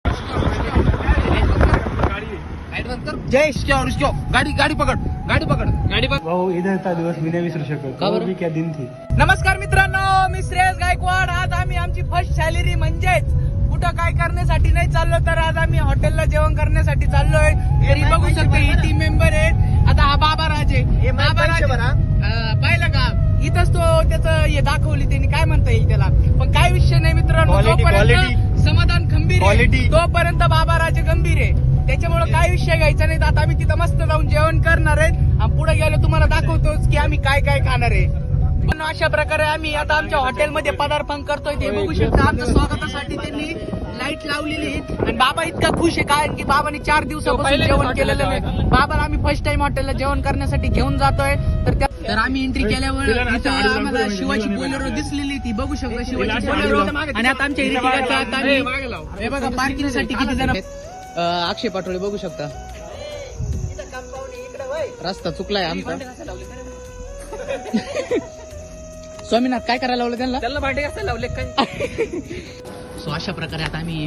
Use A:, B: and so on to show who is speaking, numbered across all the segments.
A: जय गाड़ी गाड़ी पकड़
B: भाऊ इधर था दिवस मी नाही विसरू शकत.
A: का बरं?
B: वो क्या दिन थी.
A: नमस्कार मित्रांनो, मी श्रेयस गायकवाड. आज आम्ही आमची फर्स्ट सॅलरी म्हणजेच कुठं काय करण्यासाठी नाही चाललो, तर आज आम्ही हॉटेलला जेवण करण्यासाठी चाललोय. घरी बघू शकता ही टीम मेंबर आहेत. आता हा बाबा राजे पाहिलं का, इथंच तो त्याचं हे दाखवली त्यांनी, काय म्हणता येईल त्याला. पण काय विषय नाही मित्रांनो, जोपर्यंत समाधान खंबीर आहे तोपर्यंत बाबा राजे गंभीर आहे. त्याच्यामुळे काय विषय घ्यायचा नाही. आता आम्ही तिथं मस्त जाऊन जेवण करणार आहेत आणि पुढे गेलो तुम्हाला दाखवतोच की आम्ही काय काय खाणार आहे. पण अशा प्रकारे आम्ही आता आमच्या हॉटेलमध्ये पदार्पण करतोय. ते बघू शकता आमच्या स्वागतासाठी त्यांनी लाईट लावलेली आणि बाबा इतका खुश आहे कारण की बाबांनी 4 दिवसापासून जेवण केलेलं नाही. बाबाला आम्ही फर्स्ट टाइम हॉटेलला जेवण करण्यासाठी घेऊन जातोय. तर आम्ही एंट्री केल्यावर इथं आम्हाला शिवाची बोलेरो दिसलेली, ती बघू शकता शिवाची बोलेरो. आणि आता आमच्या हे बघा पार्किंग साठी किती जण आहेत. अक्षय पाटोळे बघू शकता. रस्ता चुकलाय आमचा. स्वामीनाथ काय करायला लावलं त्यांना भांडे घासायला लावले काय. सो अशा प्रकारे आता आम्ही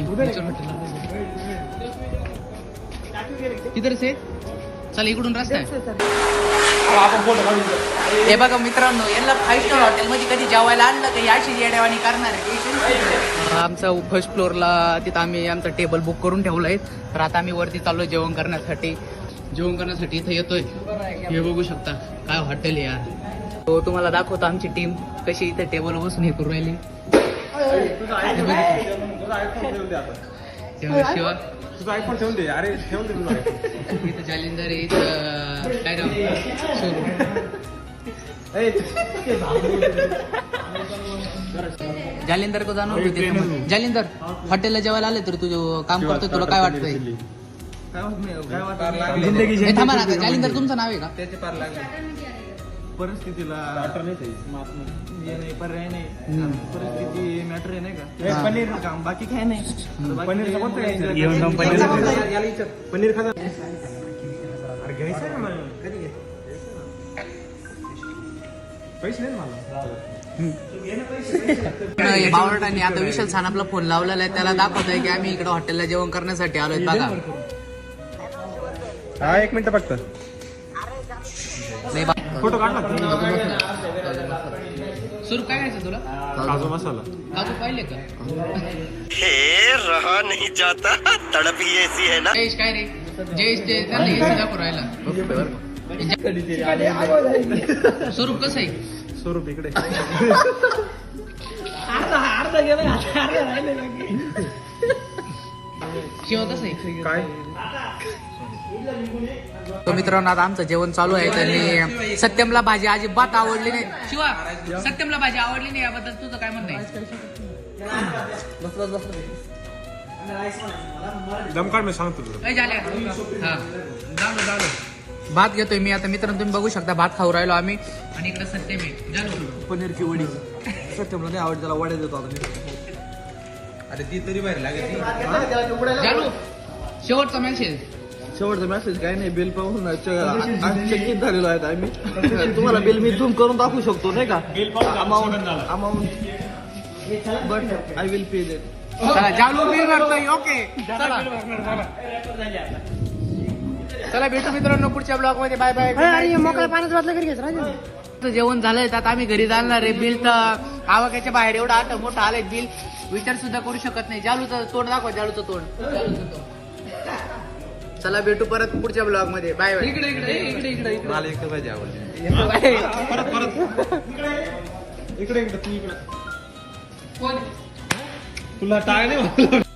A: तिथं से चला इकडून रस्ता आहे. हे बघा मित्रांनो, यांना 5 स्टार हॉटेल मध्ये कधी जेवायला आणलं तर याशी येड्यावानी करणार आहे. आमचा फर्स्ट फ्लोअरला तिथं आम्ही आमचा टेबल बुक करून ठेवलाय. तर आता आम्ही वरती चाललोय जेवण करण्यासाठी. इथं येतोय. हे बघू शकता काय हॉटेल आहे यार. तो तुम्हाला दाखवतो आमची टीम कशी इथे टेबल बसून हे करू राहिली. शिवा
B: तुझा आयफोन ठेवून दे. अरे ठेवून दे तुझा.
A: इथं जालिंदर आहे, इथं काय नाव जालिंदर को जाणवतो तिथे. जालिंदर हॉटेलला जेवायला आले तर तुझं काम करतोय, तुला काय वाटतंय. थांबा ना, जालिंदर तुमचं नाव आहे का. त्याचे पार लागले
B: परिस्थितीला पर्याय नाही. परिस्थिती मॅटर आहे नाही का.
A: पनीर
B: काम बाकी काय नाही. पनीर पनीर खाता घ्यायचं ना मला. कधी पैसे नाही मला.
A: बावरटांनी आता विशाल सानापला फोन लावलेला आहे. त्याला दाखवतोय की आम्ही इकडे हॉटेलला जेवण करण्यासाठी आलोय. बघा
B: हा 1 मिनिट फक्त फोटो काढ.
A: सुरू काय घ्यायचं तुला.
B: काजू मसाला.
A: काजू पाहिले का.
C: हे रहा नहीं जाता, तड़प ही ऐसी है ना.
A: जयेश काय रे. जयेश ते त्यांना एसी दाखवू राहिला. स्वरूप कसं आहे.
B: स्वरूप इकडे
A: शिवा कसं आहे.
B: काय
A: तो मित्रांनो आता आमचं जेवण चालू आहे. त्यांनी सत्यमला भाजी अजिबात आवडली नाही. शिवा सत्यमला भाजी आवडली नाही याबद्दल तुझं काय म्हणणं आहे.
B: दमकाड मी सांगतो तुला.
A: भात घेतोय मी आता. मित्रांनो तुम्ही बघू शकता भात खाऊ राहिलो आम्ही. आणि इकडे सत्यम आहे.
B: पनीरची वडी. सत्यमला नाही आवडत, त्याला वड्या देतो आता. अरे ती तरी बाहेर लागेल.
A: शेवटचा मेसेज.
B: शेवटचा मेसेज काय नाही. बिल पाहून चकित झालेलो आहे आम्ही. तुम्हाला बिल मी झूम करून दाखवू शकतो नाही का. Amount but I will pay that.
A: जालू बिल भरतोय. ओके चला भेटू मित्रांनो पुढच्या ब्लॉग मध्ये. Bye bye.
D: मोकळ्या पाण्यात वाटलं घरी घ्यायचं.
A: जेवण झालंय तर आता आम्ही घरी जाणार आहे. बिल तर आवाक्याच्या बाहेर एवढं आता मोठं आलंय बिल, विचार सुद्धा करू शकत नाही. जालूचं तोंड दाखवा. जालूचं तोंड. चला भेटू परत पुढच्या ब्लॉग मध्ये. Bye bye.
B: इकडे मला एक पाहिजे आवडली. इकडे तू इकडे तुला टाळ नाही.